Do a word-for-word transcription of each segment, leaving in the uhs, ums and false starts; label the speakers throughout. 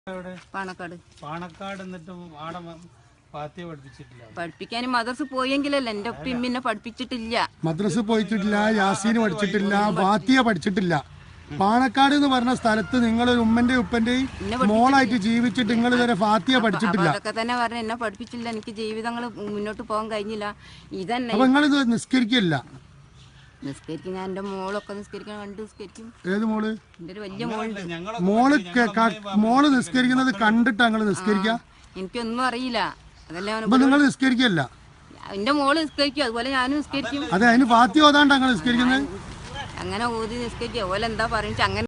Speaker 1: പാണക്കാട്
Speaker 2: പാണക്കാട് എന്നിട്ട് ആടെ ഫാത്തിഹ പഠിപ്പിച്ചിട്ടില്ല.
Speaker 1: പഠിപ്പിക്കാൻ മദ്രസ പോയെങ്കിലല്ല എന്റെ ഉപ്പയും പിന്നെ പഠിപ്പിച്ചിട്ടില്ല.
Speaker 3: മദ്രസ പോയിട്ടില്ല, യാസീന് പഠിച്ചിട്ടില്ല, ഫാത്തിഹ പഠിച്ചിട്ടില്ല. പാണക്കാട് എന്ന് പറഞ്ഞ സ്ഥലത്ത് നിങ്ങൾ ഒരു ഉമ്മന്റെ ഉപ്പന്റെയും മോളായിട്ട് ജീവിച്ചിട്ട് നിങ്ങൾ ഇതുവരെ ഫാത്തിഹ പഠിച്ചിട്ടില്ല.
Speaker 1: അതൊക്കെ തന്നെ പറഞ്ഞ എന്നെ പഠിപ്പിച്ചില്ല. എനിക്ക് ജീവിതങ്ങൾ മുന്നോട്ട് പോകാൻ കഴിഞ്ഞില്ല. ഇതന്നെ
Speaker 3: അപ്പൊ നിങ്ങൾ ഇത് നിസ്കരിക്കില്ല?
Speaker 1: നിസ്കരിക്കും. ഞാൻ എന്റെ മോളൊക്കെ നിസ്കരിക്കാൻ കണ്ട് നിസ്കരിക്കും.
Speaker 3: ഏത് മോള്?
Speaker 1: എന്റെ ഒരു വലിയ മോളുണ്ട്.
Speaker 3: മോള് മോള് നിസ്കരിക്കുന്നത് കണ്ടിട്ടാ നിങ്ങൾ നിസ്കരിക്കുക?
Speaker 1: എനിക്കൊന്നും അറിയില്ല. അതല്ലേ
Speaker 3: നിങ്ങൾ നിസ്കരിക്കല്ല?
Speaker 1: എന്റെ മോള് നിസ്കരിക്കും, അതുപോലെ ഞാനും നിസ്കരിക്കും.
Speaker 3: അതെ, അതിന് ഫാത്തിഹ ഓതാണ്ടാ നിങ്ങൾ നിസ്കരിക്കുന്നത്?
Speaker 1: അങ്ങനെ ഓതി നിസ്കരിക്കുക. അതുപോലെ എന്താ പറയുക അങ്ങനെ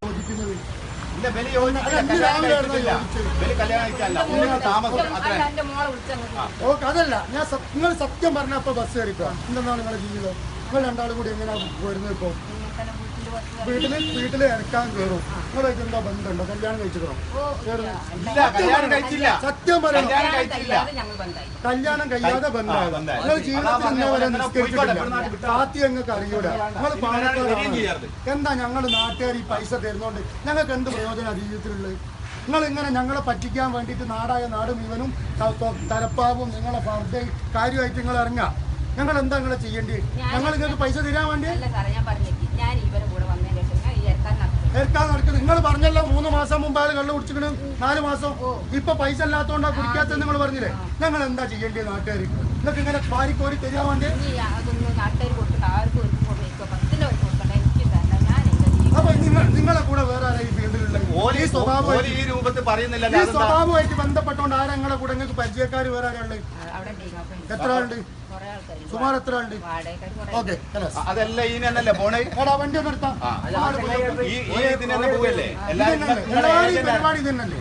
Speaker 3: അതല്ല. ഞാൻ നിങ്ങൾ സത്യം പറഞ്ഞപ്പോ ബസ് കയറിക്കോ. എന്താണ് നിങ്ങളുടെ ജീവിതം? നിങ്ങൾ രണ്ടാളും കൂടി എങ്ങനെയാ വരുന്നത്? ഇപ്പൊ വീട്ടില് വീട്ടില് ഇറക്കാൻ കയറും. നിങ്ങളായിട്ട് എന്താ ബന്ധമുണ്ടോ? കല്യാണം കഴിച്ചിട്ടോ? സത്യം പറയണം. കല്യാണം കഴിയാതെ ബന്ധമാണ്. നിങ്ങൾ ജീവിതത്തിൽ ഇന്നവരെ നിസ്കരിച്ചിട്ടില്ല. ഫാത്തിഹ ഞങ്ങൾക്ക് അറിയൂല. നിങ്ങൾ പാണക്കാട് എന്താ ഞങ്ങൾ നാട്ടുകാർ ഈ പൈസ തരുന്നോണ്ട് ഞങ്ങൾക്ക് എന്ത് പ്രയോജനമാണ് ജീവിതത്തിലുള്ളത്? നിങ്ങൾ ഇങ്ങനെ ഞങ്ങളെ പറ്റിക്കാൻ വേണ്ടിയിട്ട് നാടായ നാട് മുഴുവനും തലപ്പാവും നിങ്ങളെ ഫർദയും കാര്യമായിട്ട് നിങ്ങൾ ഇറങ്ങുക. ഞങ്ങൾ എന്താ നിങ്ങളെ ചെയ്യേണ്ടി? ഞങ്ങൾ നിങ്ങൾക്ക് പൈസ തരാൻ വേണ്ടി ഏൽക്കാൻ നടക്കുന്നത്. നിങ്ങൾ പറഞ്ഞല്ലോ മൂന്ന് മാസം മുമ്പ് ആൾ കള്ളു കുടിച്ചിട്ട് നാല് മാസം ഇപ്പൊ പൈസ ഇല്ലാത്തോണ്ടാ കുടിക്കാത്ത നിങ്ങൾ പറഞ്ഞില്ലേ? ഞങ്ങൾ എന്താ ചെയ്യേണ്ടത്? നാട്ടുകാർ നിങ്ങൾക്ക് ഇങ്ങനെ പാരിക്കോരി തരാൻ വേണ്ടി അപ്പൊ നിങ്ങൾ നിങ്ങളെ കൂടെ വേറെ ആരാ ഈ ഫീൽഡിലുള്ളത്? ഈ സ്വഭാവമായിട്ട് ബന്ധപ്പെട്ടോണ്ട് ആരാ നിങ്ങളെ കൂടെ? നിങ്ങൾക്ക് പരിചയക്കാർ വേറെ ആരാളുണ്ട്? എത്ര ആളുണ്ട്? സുമാർ എത്ര ആളുണ്ട്? ഓക്കെ,
Speaker 4: അതല്ല ഇതിനല്ലേ പോണേ?
Speaker 3: വണ്ടി ഒന്ന് എടുത്താ പരിപാടി തന്നെയല്ലേ?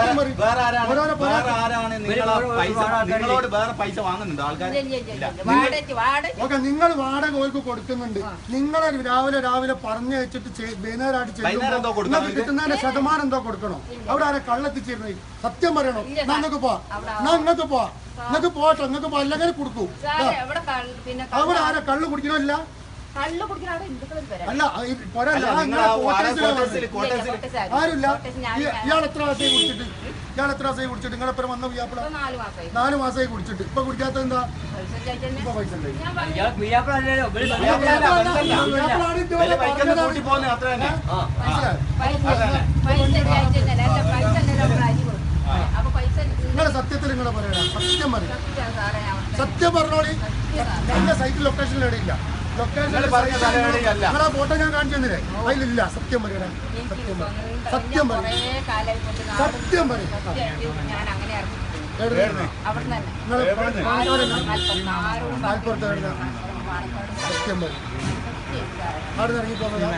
Speaker 4: നിങ്ങളോട് വേറെ പൈസ വാങ്ങുന്നുണ്ട് ആൾക്കാർ?
Speaker 3: ഓക്കെ, നിങ്ങൾ വാടക ഓർക്ക് കൊടുക്കുന്നുണ്ട്. നിങ്ങളെ രാവിലെ രാവിലെ പറഞ്ഞു വെച്ചിട്ട് വൈകുന്നേരമായിട്ട് ചെയ്യുമ്പോൾ കിട്ടുന്നതിന്റെ ശതമാനം എന്തോ കൊടുക്കണോ? അവിടെ ആരെ കള്ളെത്തിച്ചിരുന്നത്? സത്യം പറയണോ? നിങ്ങൾക്ക് പോവാ, നിങ്ങൾക്ക് പോവാ, നിങ്ങൾക്ക് പോട്ടെ, നിങ്ങൾക്ക് പോ, അല്ലെങ്കിൽ കൊടുക്കൂ. അവിടെ ആരെ കള്ളു കുടിക്കണമില്ല? അല്ല, ആരുമില്ല. ഇയാൾ എത്ര മാസമായി കുടിച്ചിട്ട്? ഇയാൾ എത്ര മാസമായി കുടിച്ചിട്ട്? നിങ്ങളെപ്പുറം വന്ന വ്യാപാര നാല് മാസമായി കുടിച്ചിട്ട്. ഇപ്പൊ കുടിക്കാത്ത എന്താ? ഇപ്പൊ പൈസ നിങ്ങളെ സത്യത്തിൽ നിങ്ങളെ പറയണ സത്യം പറയും. സത്യം പറഞ്ഞോളി. എന്റെ സൈറ്റിൽ ലൊക്കേഷൻ ഇടയില്ല. ലൊക്കേഷൻ നിങ്ങളെ ഫോട്ടോ ഞാൻ കാണിച്ചു തന്നില്ലേ? അതിലില്ല. സത്യം പറയണേ. സത്യം പറയും. സത്യം പറയും. സത്യം പറയും. സത്യം പറയും. അവിടെ നിന്ന് ഇറങ്ങി പോകുന്നത്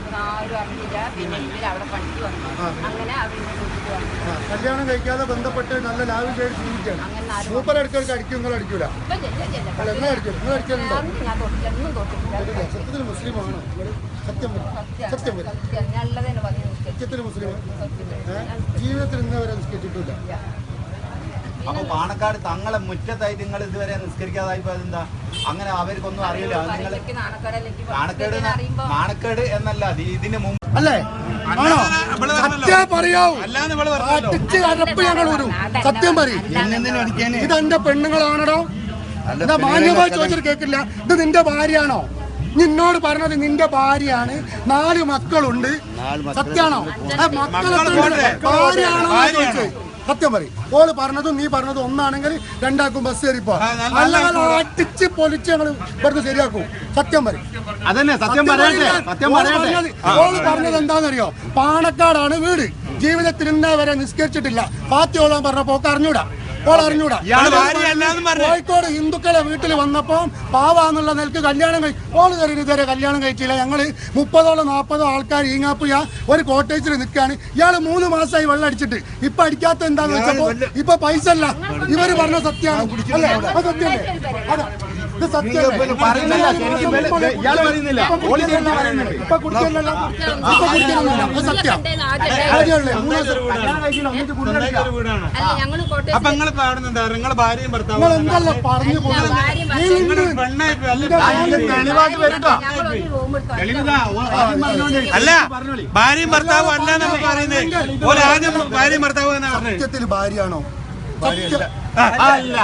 Speaker 3: കല്യാണം കഴിക്കാതെ ബന്ധപ്പെട്ട് നല്ല ലാഭം ചെയ്ത് ജീവിക്കുകയാണ്. മൂപ്പർ അടിക്കൾക്ക് അടിക്കും, നിങ്ങൾ അടിക്കൂല? അല്ല, നിങ്ങൾ അടിക്കും. നിങ്ങൾ അടിക്കലുണ്ടോ? സത്യത്തിൽ മുസ്ലിമാണോ? സത്യം സത്യം സത്യത്തിൽ മുസ്ലിം ജീവിതത്തിൽ ഇന്ന് വരെ നിസ്കരിച്ചിട്ടില്ല.
Speaker 4: അപ്പൊ പാണക്കാട് തങ്ങളെ മുറ്റത്തായിട്ട് നിങ്ങൾ ഇതുവരെ നിസ്കരിക്കാതായിപ്പോ അതെന്താ? അങ്ങനെ അവർക്കൊന്നും അറിയില്ല. നിങ്ങൾ നാണക്കേട് നാണക്കേട് എന്നല്ല ഇതിന് മുമ്പ്
Speaker 3: അല്ലേ? ആണോ? സത്യം പറയാവൂ. ഞങ്ങൾ വരും. സത്യം പറയും. ഇത് എന്റെ പെണ്ണുങ്ങളാണോ? എന്താ മാന്യമായി ചോദിച്ചിട്ട് കേൾക്കില്ല. ഇത് നിന്റെ ഭാര്യയാണോ? നിന്നോട് പറഞ്ഞത് നിന്റെ ഭാര്യയാണ്. നാല് മക്കളുണ്ട്. സത്യാണോ? ഭാര്യയാണോ ചോദിച്ചത്? സത്യം പറയും. ഓള് പറഞ്ഞതും നീ പറഞ്ഞതും ഒന്നാണെങ്കിൽ രണ്ടാക്കും ബസ് കയറിപ്പോ. അല്ലാതെ അടിച്ച് പൊലിച്ച് ഞങ്ങൾ ഇവിടുന്ന് ശരിയാക്കും. സത്യം പറയും.
Speaker 4: അതന്നെ സത്യം പറഞ്ഞത്.
Speaker 3: ഓള് പറഞ്ഞത് എന്താണെന്നറിയോ? പാണക്കാടാണ് വീട്. ജീവിതത്തിൽ ഇന്നേ വരെ നിസ്കരിച്ചിട്ടില്ല. ഫാത്തിഹ ഓളാൻ പറഞ്ഞപ്പോ ഒക്കെ അറിഞ്ഞൂടാ. ഓൾ അറിഞ്ഞൂടാ. കോഴിക്കോട് ഹിന്ദുക്കളെ വീട്ടിൽ വന്നപ്പോ പാവാന്നുള്ള നിലക്ക് കല്യാണം കഴി ഓള് കയറി ഇതുവരെ കല്യാണം കഴിച്ചില്ല. ഞങ്ങള് മുപ്പതോളം നാൽപ്പതോ ആൾക്കാർ ഈങ്ങാപ്പുയ ഒരു കോട്ടേജിൽ നിൽക്കുകയാണ്. ഇയാള് മൂന്ന് മാസമായി വെള്ളം അടിച്ചിട്ട്. ഇപ്പൊ അടിക്കാത്ത എന്താന്ന് വെച്ചപ്പോ ഇപ്പൊ പൈസ അല്ല. ഇവര് പറഞ്ഞ സത്യമാണ്. അല്ലേ? അത് സത്യല്ലേ? അതാ ഇത് സത്യമല്ലേ?
Speaker 4: പറയുന്നില്ല ശരിക്കും ഇവര് ഇയാള് പറയുന്നില്ല ഓളി തന്നെ പറയുന്നുണ്ട്
Speaker 3: ഇപ്പൊ കുടിക്കാനല്ല ഇപ്പൊ കുടിക്കാനൊന്നുമില്ല. അത് സത്യം. ആദ്യമല്ലേ മൂന്ന് ദിവസം കല്യാണം കഴിച്ചില്ല, എന്നിട്ട് കുടിക്കാൻ
Speaker 2: ഒരു വീടാണ്.
Speaker 1: അല്ല ഞങ്ങൾ കോട്ടയം
Speaker 2: അപ്പൊ നിങ്ങളിപ്പോ അവിടെ നിന്ന് എന്താ നിങ്ങളെ ഭാര്യയും ഭർത്താവും
Speaker 3: നിങ്ങൾ എന്തല്ല പറഞ്ഞു പോകുന്നത്?
Speaker 2: നിങ്ങള് പെണ്ണായി പോയി. അല്ല,
Speaker 4: തെളിവായിട്ട് വരട്ടോ
Speaker 1: ഞങ്ങൾ ഒരു റൂം എടുത്തു
Speaker 4: തെളിവിതാ ഓ- ആദ്യം പറഞ്ഞോളി.
Speaker 2: അല്ല ഭാര്യയും ഭർത്താവും അല്ല നമ്മൾ പറയുന്നത്. ഓലെ ആദ്യം ഭാര്യയും ഭർത്താവും എന്നാ പറഞ്ഞത്.
Speaker 3: സത്യത്തിൽ ഭാര്യയാണോ? സത്യം.
Speaker 2: അല്ല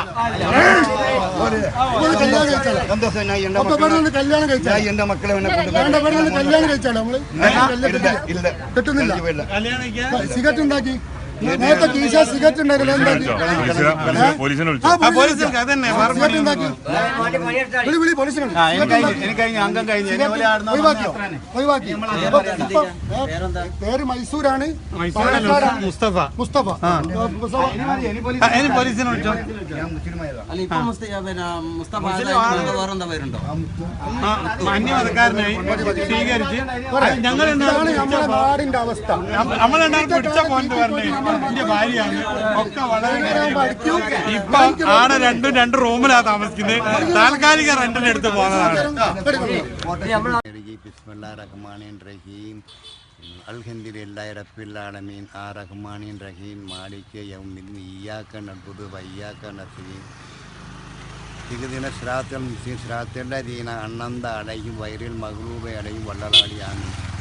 Speaker 3: ഒരു കല്യാണം കഴിച്ചാലോ?
Speaker 4: സന്തോഷം ഞാൻ എന്റെ
Speaker 3: അപ്പൊ
Speaker 4: മക്കളെ
Speaker 3: ഇവിടെ നിന്ന് കല്യാണം കഴിച്ചാലോ?
Speaker 4: ഞാൻ എന്റെ മക്കളെ എന്നെ കൊണ്ട്
Speaker 3: വേണ്ട, ഇവിടെ നിന്ന് കല്യാണം കഴിച്ചാലോ നമ്മള്?
Speaker 4: ഇല്ല
Speaker 3: കിട്ടുന്നില്ല.
Speaker 2: കല്യാണം കഴിക്കാൻ
Speaker 3: സിഗരറ്റ് ഉണ്ടാക്കി നേരത്തെ കീശ സിഗരറ്റ് ഉണ്ടാക്കില്ല എന്താക്കി?
Speaker 5: പോലീസിനെ വിളിച്ചു
Speaker 3: ആ,
Speaker 2: ആ പോലീസ് അതന്നെ
Speaker 3: സിഗരറ്റ് ഉണ്ടാക്കി. വിളി വിളി പോലീസിനെ വിളി.
Speaker 4: ആ, എനിക്ക് കഴിഞ്ഞു എനിക്ക് കഴിഞ്ഞു അംഗം കഴിഞ്ഞു എന്നെ പോലെ ആടുന്ന
Speaker 3: ഒഴിവാക്കിയോ? ഒഴിവാക്കി. ഇപ്പൊ ഇപ്പൊ, ഏ, പേര് മൈസൂരാണ്. പാലക്കാടാണ്.
Speaker 2: മുസ്തഫ
Speaker 3: മുസ്തഫ. മുസ്തഫ.
Speaker 2: ആ, ഇനി പോലീസിനെ വിളിച്ചോ.
Speaker 4: ഞാൻ മുസ്ലിമായതാ.
Speaker 6: അല്ല ഇപ്പൊ മുസ്ത- പിന്നെ മുസ്തഫ ആദായി വേറെന്താ പേരുണ്ടോ?
Speaker 2: ആ, അന്യമതക്കാരനായി സ്വീകരിച്ച് ഞങ്ങൾ
Speaker 3: ഇതാണ് നമ്മുടെ നാടിന്റെ അവസ്ഥ.
Speaker 2: നമ്മളെന്താണ് പിടിച്ച പോയിന്റ് പറഞ്ഞേ എന്റെ ഭാര്യയാണ് ഒക്കെ വളരെ ഇപ്പൊ ആടെ രണ്ടും രണ്ട് റൂമിലാ താമസിക്കുന്നത്. താൽക്കാലിക റെന്റിന് എടുത്ത് പോകുന്നതാണ്.
Speaker 7: ബിസ്മില്ലാഹിർ റഹ്മാനിർ റഹീം അൽഹംദുലില്ലാഹി റബ്ബിൽ ആലമീൻ ആ റഹ്മാനിർ റഹീം മാലിക് യൗമിദ്ദീൻ ഇയ്യാക നഅ്ബുദു വ ഇയ്യാക നസ്തഈൻ ഇഹ്ദിന സിറാത്തൽ മുസ്തഖീം സിറാത്തൽ ലദീന അൻഅംത അലൈഹിം ഗൈറിൽ മഗ്ദൂബി അലൈഹിം വല്ലദ്ദാലിൻ.